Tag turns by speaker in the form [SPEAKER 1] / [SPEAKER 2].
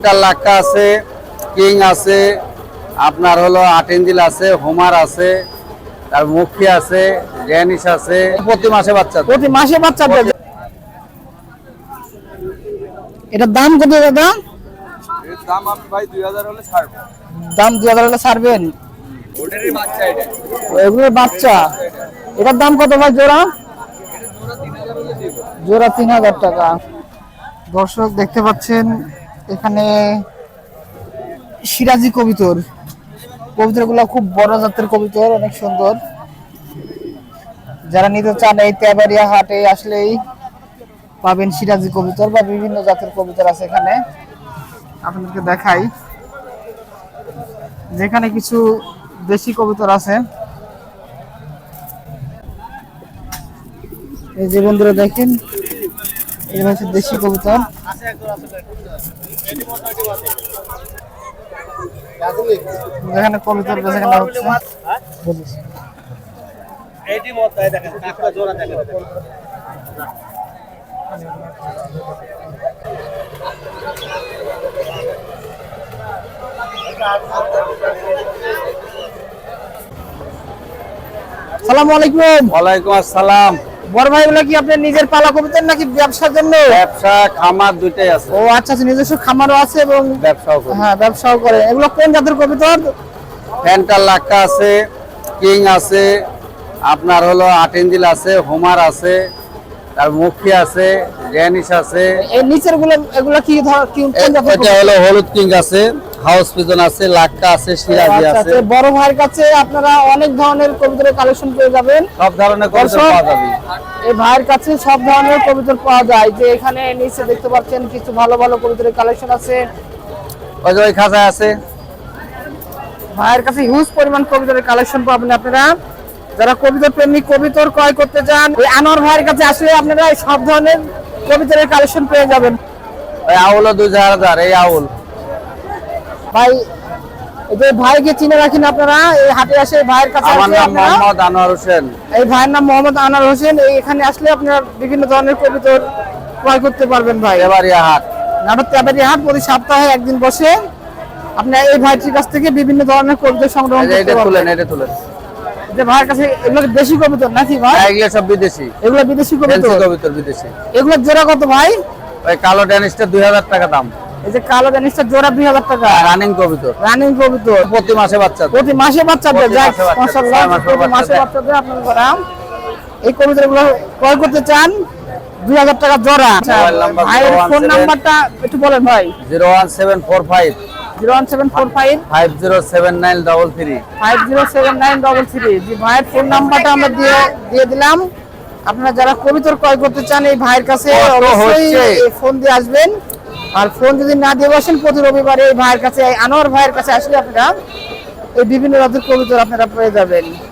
[SPEAKER 1] লাক্কা আছে, কিং আছে, আপনার হলো আটেঞ্জিল আছে, হোমার আছে, তার মুখী আছে, ড্যানিশ আছে। প্রতি মাসে বাচ্চা
[SPEAKER 2] দেয়। এটার দাম কত দাদা?
[SPEAKER 1] দাম আমি ভাই 2000 হলে ছাড়বো।
[SPEAKER 2] দাম 2000 হলে ছাড়বেন?
[SPEAKER 1] ওটারই বাচ্চা এটা।
[SPEAKER 2] এগুলোর বাচ্চা। এটার দাম কত ভাই জোড়া? জোড়া 3000 টাকা। দর্শক দেখতে পাচ্ছেন এখানে সিরাজি কবুতর। কবুতরগুলো খুব বড় জাতের কবুতর, অনেক সুন্দর। যারা নিতে চান এই তেবাড়িয়া হাটে আসলেই পাবেন সিরাজি কবুতর বা বিভিন্ন জাতের কবুতর আছে এখানে। আপনাদেরকে দেখাই, যেখানে কিছু দেশি কবুতর আছে। এই যে বন্ধুরা দেখেন, এই হচ্ছে দেশি কবুতর। যেখানে কবুতর বেচাকেনা হচ্ছে। আসসালামু আলাইকুম।
[SPEAKER 1] ওয়ালাইকুম আসসালাম।
[SPEAKER 2] বড় ভাই, এগুলো কি আপনার নিজের পালা কবুতর নাকি ব্যবসার জন্য?
[SPEAKER 1] ব্যবসা খামার দুইটাই আছে।
[SPEAKER 2] ও আচ্ছা, নিজস্ব খামারও আছে এবং
[SPEAKER 1] ব্যবসাও করে।
[SPEAKER 2] হ্যাঁ, ব্যবসাও করে। এগুলো কোন জাতের কবুতর?
[SPEAKER 1] ফ্যান্টার লাক্কা আছে, কিং আছে, আপনার হলো আটেঞ্জিল আছে, হোমার আছে, তার মুখী আছে, ড্যানিশ আছে।
[SPEAKER 2] এই নিচের গুলো এগুলো কি কোন জাতের?
[SPEAKER 1] এটা হলো হলুদ কিং আছে, হাউস পিজন আছে, লাক্কা আছে, সিরাজি আছে।
[SPEAKER 2] বড় ভাইয়ের কাছে আপনারা অনেক ধরনের কবুতরের কালেকশন পেয়ে যাবেন।
[SPEAKER 1] সব ধরনের কবুতর পাওয়া যাবে।
[SPEAKER 2] এই ভাইয়ের কাছে সব ধরনের কবুতর পাওয়া যায়। যে এখানে নিচে দেখতে পাচ্ছেন কিছু ভালো ভালো কবুতরের কালেকশন আছে।
[SPEAKER 1] ওই যে ওই খাঁচায় আছে।
[SPEAKER 2] ভাইয়ের কাছে হিউজ পরিমাণ কবুতরের কালেকশন পাবেন আপনারা। যারা কবুতর প্রেমিক, কবুতর ক্রয় করতে চান, এই আনোয়ার ভাইয়ের কাছে আসলে আপনারা সব ধরনের কবুতরের কালেকশন পেয়ে যাবেন।
[SPEAKER 1] ওই আউলও 2000, এই আউল।
[SPEAKER 2] ভাই, এই যে ভাইকে চিনে রাখেন আপনারা, এই হাটে আসে ভাইয়ের কাছে।
[SPEAKER 1] আমার নাম মোহাম্মদ আনোয়ার হোসেন।
[SPEAKER 2] এই ভাইয়ের নাম মোহাম্মদ আনোয়ার হোসেন। এখানে আসলে আপনারা বিভিন্ন ধরনের কবুতর ক্রয় করতে পারবেন। ভাই
[SPEAKER 1] তেবাড়িয়া হাট,
[SPEAKER 2] নাটক তেবাড়িয়া হাট প্রতি সপ্তাহে একদিন বসে। আপনারা এই ভাইটির কাছ থেকে বিভিন্ন ধরনের কবুতর সংগ্রহ করতে পারবেন।
[SPEAKER 1] এটা তুলেন।
[SPEAKER 2] যে ভাইয়ের কাছে এগুলো দেশি কবুতর নাকি ভাই?
[SPEAKER 1] এগুলো সব বিদেশি।
[SPEAKER 2] এগুলো বিদেশি কবুতর।
[SPEAKER 1] বিদেশি।
[SPEAKER 2] এগুলো জোড়া কত ভাই?
[SPEAKER 1] ওই কালো ড্যানিশটা 2000 টাকা দাম।
[SPEAKER 2] এই যে কালো ড্যানিশটা জোড়া 2000 টাকা।
[SPEAKER 1] রানিং কবুতর। প্রতি মাসে বাচ্চা দেয়।
[SPEAKER 2] প্রতি মাসে বাচ্চা দেয়। মাশাআল্লাহ, প্রতি মাসে বাচ্চা দেয় আপনারা। এই কবুতরগুলো ক্রয় করতে চান 2000 টাকা জোড়া। ভাইয়ের ফোন নাম্বারটা একটু বলেন ভাই।
[SPEAKER 1] 01745
[SPEAKER 2] 01745
[SPEAKER 1] 507933
[SPEAKER 2] 507933। জি, ভাইয়ের ফোন নাম্বারটা আমরা দিয়ে দিলাম। আপনারা যারা কবুতর ক্রয় করতে চান এই ভাইয়ের কাছে অবশ্যই ফোন দিয়ে আসবেন। আর ফোন যদি না দিয়ে বসেন, প্রতি রবিবারে এই ভাইয়ের কাছে, আনোয়ার ভাইয়ের কাছে আসলে আপনারা এই বিভিন্ন জাতের কবুতর আপনারা পেয়ে যাবেন।